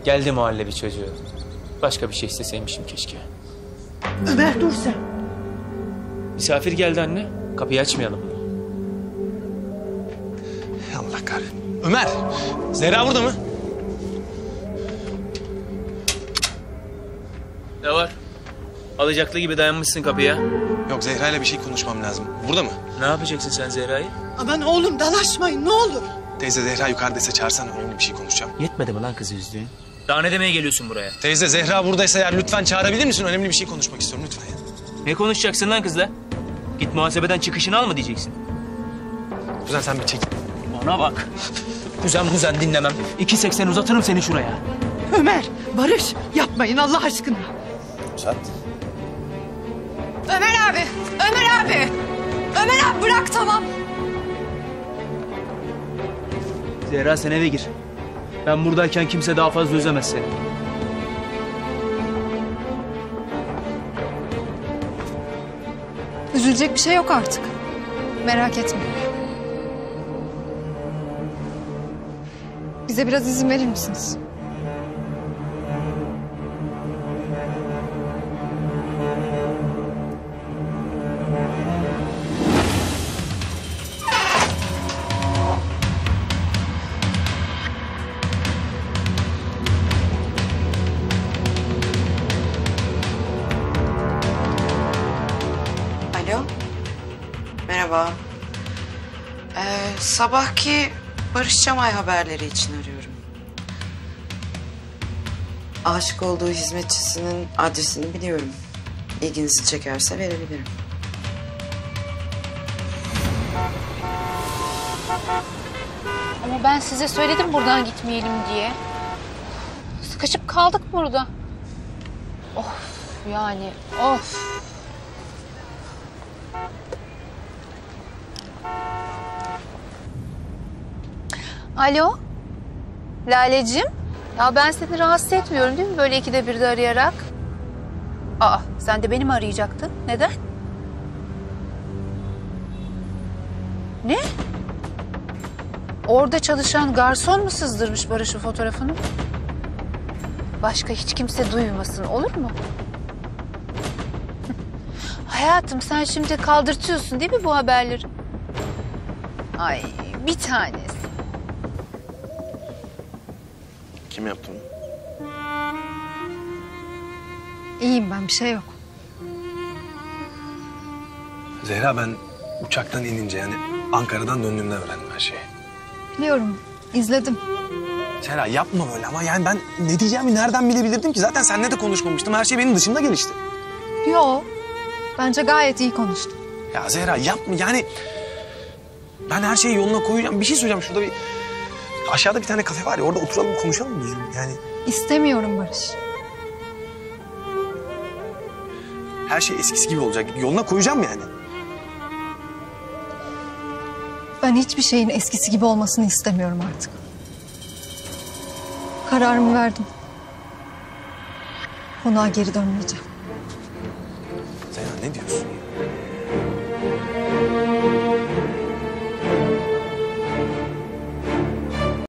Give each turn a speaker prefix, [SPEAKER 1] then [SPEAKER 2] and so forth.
[SPEAKER 1] Geldi muhallebi çocuğu. Başka bir şey isteseymişim keşke.
[SPEAKER 2] Ömer dur sen.
[SPEAKER 1] Misafir geldi anne. Kapıyı açmayalım mı?
[SPEAKER 3] Allah kahretsin. Ömer! Zehra burada mı?
[SPEAKER 1] Ne var? Alacaklı gibi dayanmışsın kapıya.
[SPEAKER 3] Yok, Zehra ile bir şey konuşmam lazım. Burada mı?
[SPEAKER 1] Ne yapacaksın sen Zehra'yı?
[SPEAKER 2] Aman oğlum dalaşmayın ne olur.
[SPEAKER 3] Teyze, Zehra yukarıdaysa çağırsana, önemli bir şey konuşacağım.
[SPEAKER 1] Yetmedi mi lan kızı üzdüğün? Daha ne demeye geliyorsun buraya?
[SPEAKER 3] Teyze, Zehra buradaysa eğer lütfen çağırabilir misin? Önemli bir şey konuşmak istiyorum lütfen ya.
[SPEAKER 1] Ne konuşacaksın lan kızla? Git muhasebeden çıkışını al mı diyeceksin?
[SPEAKER 3] Kuzen sen bir çek.
[SPEAKER 1] Bana bak. Kuzen dinlemem. 2.80 uzatırım seni şuraya.
[SPEAKER 2] Ömer, Barış yapmayın Allah aşkına.
[SPEAKER 3] Uzat.
[SPEAKER 4] Ömer abi! Ömer abi! Ömer abi bırak tamam.
[SPEAKER 1] Zehra sen eve gir. Ben buradayken kimse daha fazla üzemez seni.
[SPEAKER 4] Üzülecek bir şey yok artık. Merak etme. Bize biraz izin verir misiniz?
[SPEAKER 5] Alo. Merhaba. Sabahki Barış Çamay haberleri için arıyorum. Aşık olduğu hizmetçisinin adresini biliyorum. İlginizi çekerse verebilirim.
[SPEAKER 6] Ama ben size söyledim buradan gitmeyelim diye. Sıkışıp kaldık burada. Of yani of. Alo? Laleciğim? Ya ben seni rahatsız etmiyorum değil mi böyle ikide birde arayarak? Aa sen de beni mi arayacaktın? Neden? Ne? Orada çalışan garson mu sızdırmış Barış'ın fotoğrafını? Başka hiç kimse duymasın olur mu? Hayatım sen şimdi kaldırtıyorsun değil mi bu haberleri? Ay bir tanesi.
[SPEAKER 3] Kim yaptı onu?
[SPEAKER 4] İyiyim ben bir şey yok.
[SPEAKER 3] Zehra, ben uçaktan inince yani Ankara'dan döndüğümde öğrendim her şeyi.
[SPEAKER 4] Biliyorum izledim.
[SPEAKER 3] Zehra yapma böyle ama yani ben ne diyeceğimi nereden bilebilirdim ki? Zaten seninle de konuşmamıştım. Her şey benim dışımda gelişti.
[SPEAKER 4] Yo bence gayet iyi konuştun.
[SPEAKER 3] Ya Zehra yapma yani. Ben her şeyi yoluna koyacağım. Bir şey söyleyeceğim, şurada bir... Aşağıda bir tane kafe var ya, orada oturalım konuşalım mı düzgün yani?
[SPEAKER 4] İstemiyorum Barış.
[SPEAKER 3] Her şey eskisi gibi olacak. Yoluna koyacağım yani.
[SPEAKER 4] Ben hiçbir şeyin eskisi gibi olmasını istemiyorum artık. Kararımı verdim. Konağa geri dönmeyeceğim.
[SPEAKER 3] Zehra ne diyorsun ya?